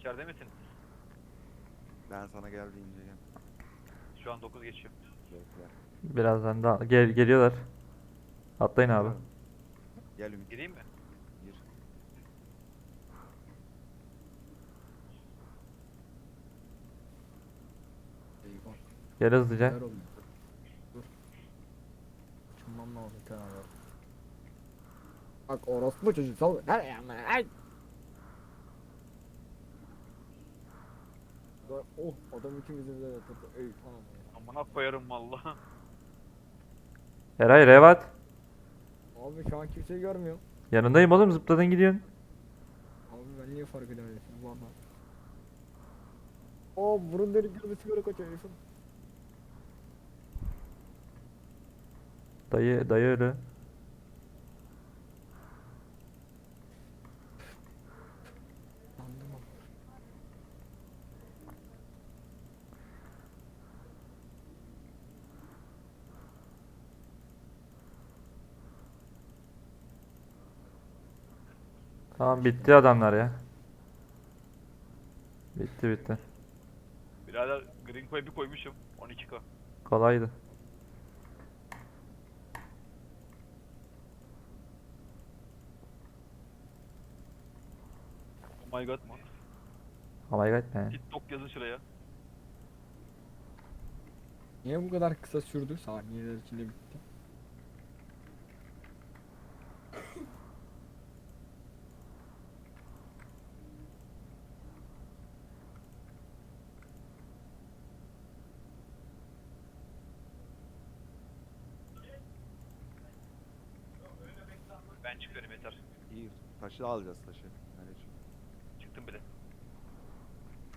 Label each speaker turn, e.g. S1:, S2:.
S1: İçeride misin?
S2: Ben sana gel deyince gel.
S1: Şu an 9 geçiyor.
S2: Bekle.
S3: Birazdan da geliyorlar. Atlayın abi.
S2: Geliyorum. Gel Ümit.
S1: Gireyim mi?
S2: Gir.
S4: Eyvah.
S3: Gel hızlıca.
S4: Neler oluyor? Dur. Açılmam lazım kenara. Bak orospu çocuğu sal. Her yana. Ay. Oh adam ikimizi de yatırdı. Ey tamam ya.
S1: Amına koyarım valla.
S3: Eray Revat.
S4: Abi şu an kimseyi görmüyorum.
S3: Yanındayım oğlum, zıpladın gidiyorsun.
S4: Abi ben niye fark edemedim valla. Burun delik gibi sigara kaçıyor herifim.
S3: Dayı öyle.
S4: Anladım abi.
S3: Tamam, bitti adamlar ya. Bitti.
S1: Birader Green Co'ya bir koymuşum. 12K.
S3: Kolaydı.
S1: Oh my god man.
S3: Oh my god man.
S1: TikTok yazın şuraya.
S4: Niye bu kadar kısa sürdü? Saniyeler içinde bitti.
S1: Ben çıkıyorum yeter.
S2: İyi. Taşı alacağız taşı. Hadi çık.
S1: Çıktım bile.